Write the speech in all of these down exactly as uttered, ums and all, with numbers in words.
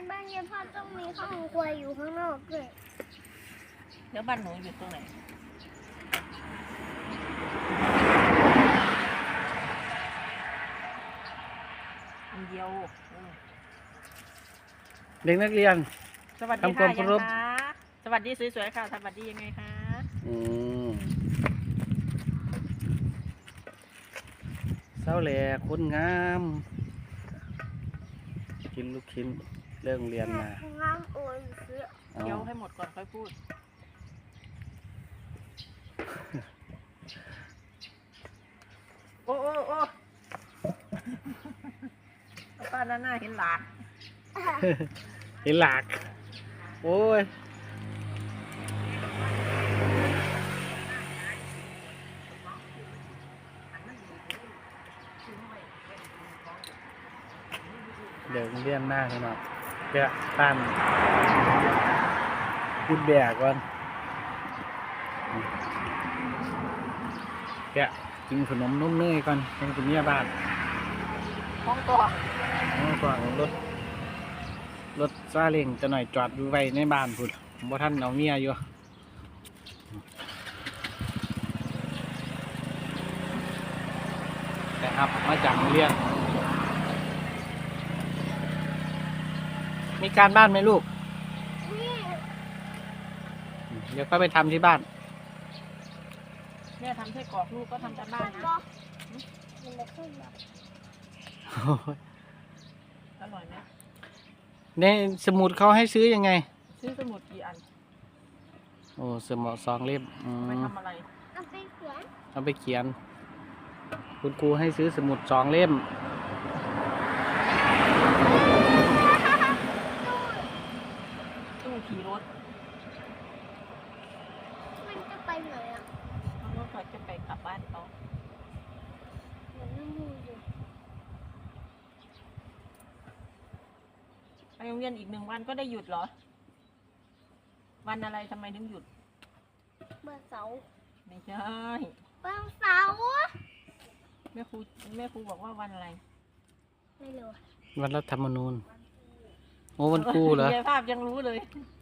บ้านยายพ่อต้องมีห้องครัวอยู่ข้างนอกด้วยเดี๋ยวบ้านหนูอยู่ตรงไหนอันเดียวเด็กนักเรียนสวัสดีค่ะยังคะสวัสดีสวยๆค่ะสวัสดียังไงคะอืมเศร้าแหล่คนงามกินลูกชิ้นเรื่องเรียนมางามโอ้ยเสือเคี้ยวให้หมดก่อนค่อยพูดโอ้โอ้โอ้ป้าหน้าหน้าเห็นหลากเห็นหลากโอ้ยเดี๋ยวเรียนหน้าให้หน่อยเดี๋ยวตั้นพูดแบกก่อนเดี๋ยวกินขนมนุ่มเนยก่อนเป็นคุณเมียบ้านห้องตัวห้องตัวรถรถซาเล้งจะหน่อยจอดไว้ในบ้านพุ่นบ่ท่านเอาเมียอยู่แต่ครับมาจากโรงเรียนมีการบ้านไหมลูกเดี๋ยวก็ไปทำที่บ้านแม่ทำไส้กรอกลูกก็ทำการบ้านนะอร่อยไหมในสมุดเขาให้ซื้อยังไงซื้อสมุดกี่อันโอ้สมุดสองเล่มไปทำอะไรเอาไปเขียนเอาไปเขียนคุณครูให้ซื้อสมุดสองเล่มตู้ขี่รถมันจะไปไหนอ่ะเขารถเขาจะไปกลับบ้านเขามันไม่มีอยู่ไปโรงเรียนอีกหนึ่งวันก็ได้หยุดเหรอวันอะไรทำไมถึงหยุดวันเสาร์ไม่ใช่วันเสาร์แม่ครูแม่ครูบอกว่าวันอะไรไม่รู้วันรัฐธรรมนูญโอ้วันครูเหรอภาพยังรู้เลย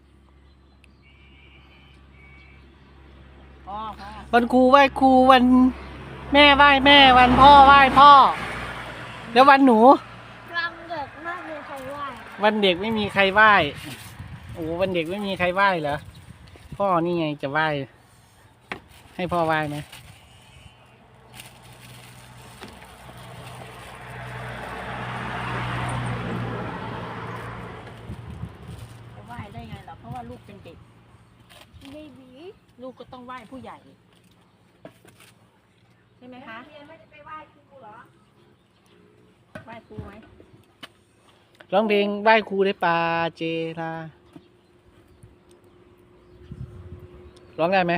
วันครูไหว้ครูวันแม่ไหว้แม่วันพ่อไหว้พ่อแล้ววันหนูวันเด็กไม่มีใครไหว้วันเด็กไม่มีใครไหว้โอ้วันเด็กไม่มีใครไหว้เหรอพ่อนี่ไงจะไหว้ให้พ่อไหว้ไหมจะไหว้ได้ไงล่ะเพราะว่าลูกเป็นเด็กเบบีลูกก็ต้องไหว้ผู้ใหญ่ใช่ไหมคะเรียนไม่ได้ไปไหว้ครูเหรอไหว้ครูไหมร้องเพลงไหว้ครูได้ปาเจราร้องได้ไหม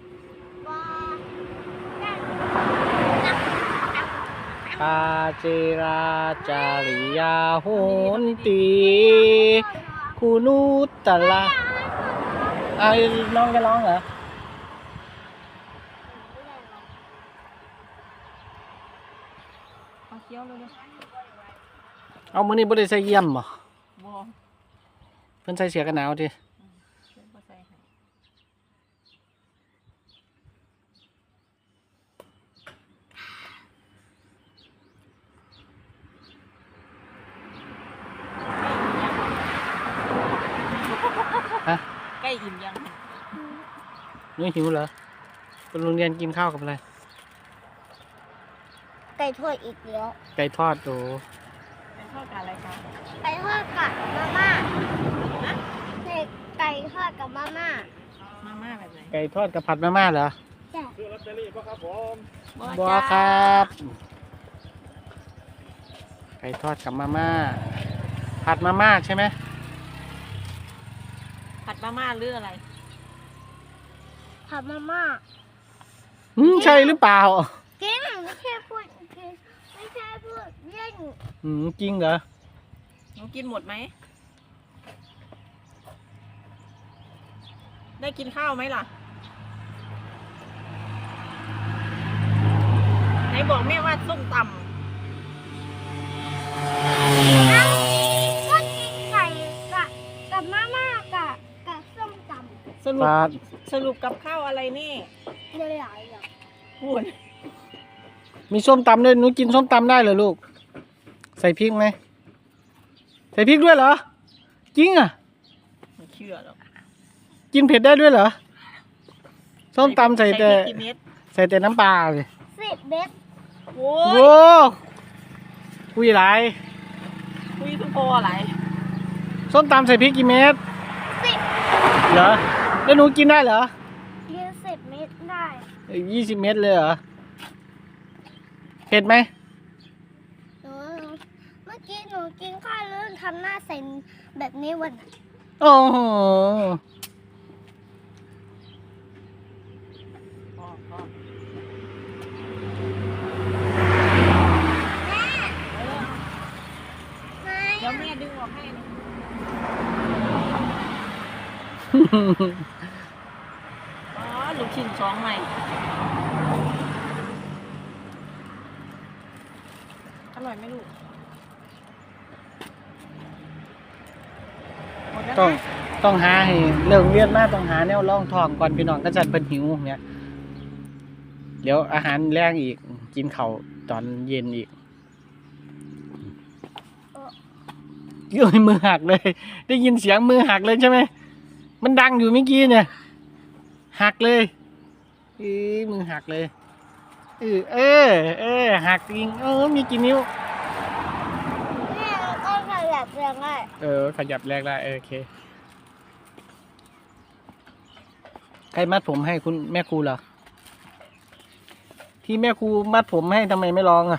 ปาเจราจาริยาโหนตีคูนุตตะละไอ้น้องจะร้องเหรอเอาเคี้ยวเลยเอามือนี้บ่ได้ใส่เยี่ยมบ่บ่เพิ่นใส่เสื้อกันหนาวดิฮะใกล้อิ่มยังนี่หิวเหรอไปโรงเรียนกินข้าวกับอะไรไก่ทอดอีกแล้วไก่ทอดโอ้ไก่ทอดกับอะไรคะไก่ทอดกับมาม่าไก่ทอดกับมาม่ามาม่าแบบไหนไก่ทอดกับผัดมาม่าเหรอใช่ซื้อลอตเตอรี่ป่ะครับผมบ่ครับไก่ทอดกับมาม่าผัดมาม่าใช่ไหมผัดมาม่าหรืออะไรผัดมาม่าอืมใช่หรือเปล่าจริงไม่ใช่พูดไม่ใช่พูดเล่นอืมจริงเหรอหนูกินหมดไหมได้กินข้าวไหมล่ะไหนบอกแม่ว่าส้มตำก็กินไก่ไก่ปปาดสรุปกับข้าวอะไรนี่เดี๋ยวหลายอย่างพูดมีส้มตำด้วยหนูกินส้มตำได้เหรอลูก ใส่พริกไหมใส่พริกด้วยเหรอจริงอ่ะไม่เชื่อหรอกกินเผ็ดได้ด้วยเหรอส้มตำใส่แต่พริกกี่เม็ดใส่แต่น้ำปลาเลยสิบเม็ดโอ้ยโว้คุยหลายคุยทุกโพอะไรส้มตำใส่พริกกี่เม็ดสิบเหรอแล้วหนูกินได้เหรอยี่สิบเม็ดได้ยี่สิบเม็ดเลยเหรอเผ็ดไหมหนูเมื่อกี้หนูกินข้าวแล้วทำหน้าใสแบบนี้วันนั้นโอ้โหพอพอไม่เดี๋ยวแม่ดึงออกให้นะอ๋อลูกชิ้นสองใหม่อร่อยไหมลูกหมดแล้วต้องนะต้องหาให้เรื่องเรียนมาต้องหาแนวร่องทองก่อนพี่น้องก็จัดเป็นหิวเนี่ยเดี๋ยวอาหารแรงอีกกินข้าวตอนเย็นอีกเอ้ยมือหักเลย ได้ยินเสียงมือหักเลยใช่ไหมมันดังอยู่เมื่อกี้เนี่ยหักเลยเอ้ยมือหักเลยเออเออเออหักจริงเออมีกี่นิ้วแม่ก็ขยับเรียงได้เออขยับแรกได้เออโอเคใครมัดผมให้คุณแม่ครูเหรอที่แม่ครูมัดผมให้ทำไมไม่ร้องอ่ะ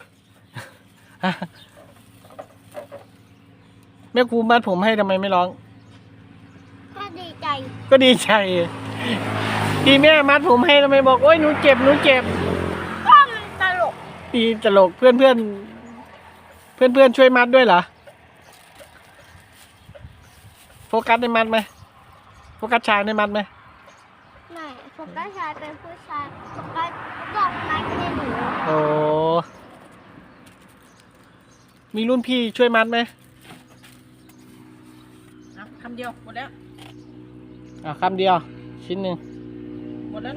แม่ครูมัดผมให้ทำไมไม่ร้องก็ดีใจก็ดีใจที่แม่มัดผมให้ทำไมบอกโอ๊ยหนูเจ็บหนูเจ็บก็มันตลกตีตลกเพื่อนเพื่อนเพื่อนเพื่อนๆช่วยมัดด้วยเหรอโฟกัสได้มัดไหมโฟกัสชายได้มัดไหมไม่ผมก็ชายเป็นผู้ชายผมก็ต้องนัดให้หนูโอ้มีรุ่นพี่ช่วยมัดไหมเอาคำเดียวหมดแล้วอ่ะคำเดียวชิ้นหนึ่งหมดแล้วนะ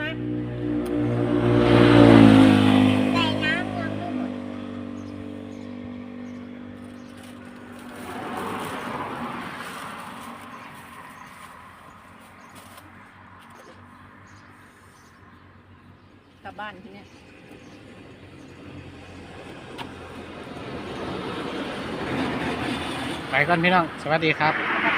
แต่น้ำยังไม่หมดกลับบ้านทีเนี้ยไปก่อนพี่น้อง สวัสดีครับกลับ